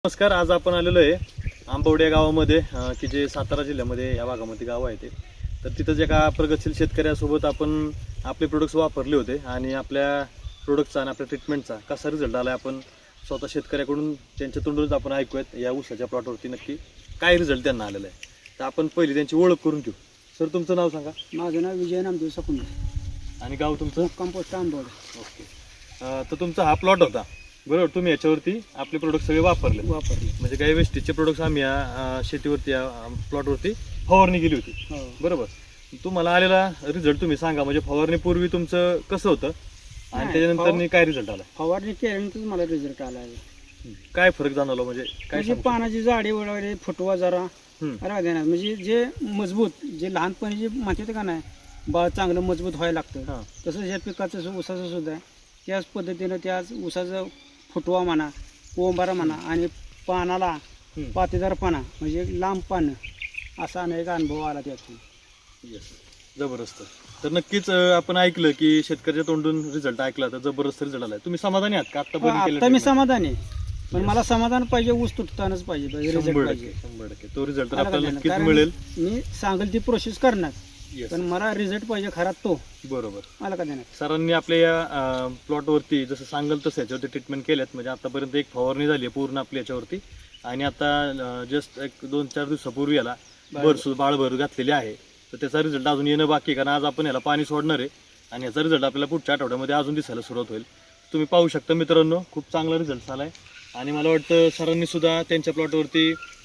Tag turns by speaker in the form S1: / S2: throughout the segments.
S1: नमस्कार. आज आपण आलेलो आहे आंबवडे गावामध्ये की जे सातारा जिल्ह्यामध्ये या भागामध्ये गाव आहे ते. तर तिथंच एका प्रगतशील शेतकऱ्यासोबत आपण आपले प्रोडक्ट्स वापरले होते आणि आपल्या प्रोडक्टचा आणि आपल्या ट्रीटमेंटचा कसा रिझल्ट आला आपण स्वतः शेतकऱ्याकडून त्यांच्या तोंडूनच आपण ऐकूयात या ऊसाच्या प्लॉटवरती नक्की काय रिझल्ट त्यांना आलेला आहे. तर आपण पहिली त्यांची ओळख करून घेऊ. सर, तुमचं नाव सांगा.
S2: माझं नाव विजय नामदेव सकुंड
S1: आणि गाव तुमचं?
S2: कंपोस्ट आंबवडे.
S1: ओके. तर तुमचा हा प्लॉट होता बरोबर. तुम्ही याच्यावरती आपले प्रोडक्ट सगळे वापरले म्हणजे काही वेस्टेजचे प्रोडक्ट्स आम्ही या शेतीवरती या प्लॉटवरती फवारणी केली होती बरोबर. तुम्हाला आलेला रिझल्ट तुम्ही सांगा, म्हणजे फवारणीपूर्वी तुमचं कसं होतं आणि त्याच्यानंतर काय रिझल्ट आला?
S2: फवारणी केल्यानंतर मला रिझल्ट आला आहे.
S1: काय फरक जाणवला म्हणजे काय?
S2: म्हणजे पानाची जाडी वगैरे फुटवा जरा देणार, म्हणजे जे मजबूत जे लहानपणी जे म्हणतात का नाही बा चांगलं मजबूत व्हायला लागतं, तसंच या पिकाचं ऊसाचं सुद्धा आहे. त्याच पद्धतीनं त्याच ऊसाचं फुटवा म्हणा, कोंबारा म्हणा आणि पानाला पातेदारपणा म्हणजे लांब पानं असा अनेक अनुभव आला त्यातून.
S1: जबरदस्त. तर नक्कीच आपण ऐकलं की शेतकऱ्याच्या तोंडून रिझल्ट ऐकला तर जबरदस्त रिझल्ट आलाय. तुम्ही समाधानी आहात का
S2: आता? मी समाधानी आहे, पण मला समाधान पाहिजे, ऊस तुटतानाच पाहिजे, रिझल्ट पाहिजे.
S1: 100% तो रिझल्ट आपल्याला नक्कीच मिळेल.
S2: मी सांगेल ती प्रोसेस करणार, पण मला रिझल्ट पाहिजे खरा तो.
S1: बरोबर.
S2: मला का देणार?
S1: सरांनी आपल्या या प्लॉटवरती जसं सांगल तसं याच्यावरती ट्रीटमेंट केल्यात. म्हणजे आतापर्यंत एक फवारणी झाली आहे पूर्ण आपल्या याच्यावरती आणि आता जस्ट एक 2-4 दिवसापूर्वी याला बाळभर घातलेली आहे. तर त्याचा रिझल्ट अजून येणं बाकी आहे, कारण आज आपण याला पाणी सोडणार आहे आणि याचा रिझल्ट आपल्याला पुढच्या आठवड्यामध्ये अजून दिसायला सुरुवात होईल. तुम्ही पाहू शकता मित्रांनो, खूप चांगला रिझल्ट झाला आहे आणि मला वाटतं सरांनी सुद्धा त्यांच्या प्लॉटवरती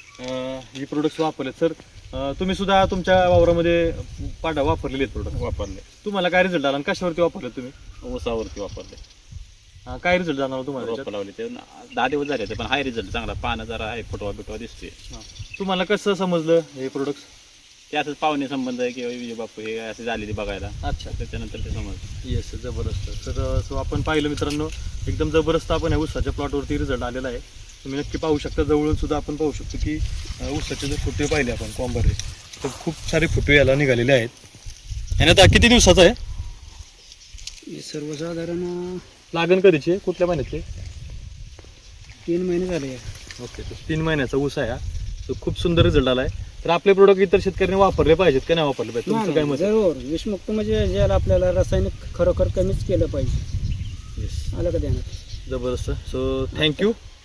S1: ही प्रोडक्ट्स वापरलेत. सर, तुम्ही सुद्धा तुमच्या वावरामध्ये वापरलेले आहेत प्रोडक्ट?
S3: वापरले.
S1: तुम्हाला काय रिझल्ट आला आणि कशावरती वापरले तुम्ही?
S3: ऊसावरती वापरले.
S1: काय रिझल्ट जाणार तुम्हाला?
S3: रोपं लावले ते 10 दिवस झाले, पण हाय रिझल्ट चांगला. पानं जरा आहे, फुटवा बिटवा दिसते.
S1: तुम्हाला कसं समजलं हे प्रोडक्ट्स?
S3: ते असंच पाहुणे संबंध आहे किंवा विजय बापू हे असे झालेली बघायला.
S1: अच्छा.
S3: त्याच्यानंतर ते समजलं.
S1: येस, जबरदस्त. तर सो आपण पाहिलं मित्रांनो, एकदम जबरदस्त आपण या ऊसाच्या प्लॉटवरती रिझल्ट आलेला आहे. तुम्ही नक्की पाहू शकता. जवळून सुद्धा आपण पाहू शकतो की ऊसाचे जर फुटवे पाहिले आपण कॉम्बर तर खूप सारे फुटवे याला निघालेले आहेत. आणि आता किती दिवसाचा आहे?
S2: सर्वसाधारण
S1: लागण कधीची आहे? कुठल्या महिन्याची?
S2: 3 महिने झाले.
S1: ओके. तर 3 महिन्याचा ऊस आहे हा. तो खूप सुंदर रिझल्ट आला आहे. तर आपले प्रोडक्ट इतर शेतकऱ्यांनी वापरले पाहिजेत का नाही वापरले पाहिजे? तुमचं काय मत?
S2: जरूर. विषमुक्त म्हणजे ज्याला आपल्याला रासायनिक खरोखर कमीच केलं पाहिजे.
S1: येस,
S2: आलं का ध्यानात?
S1: जबरदस्त. So thank you.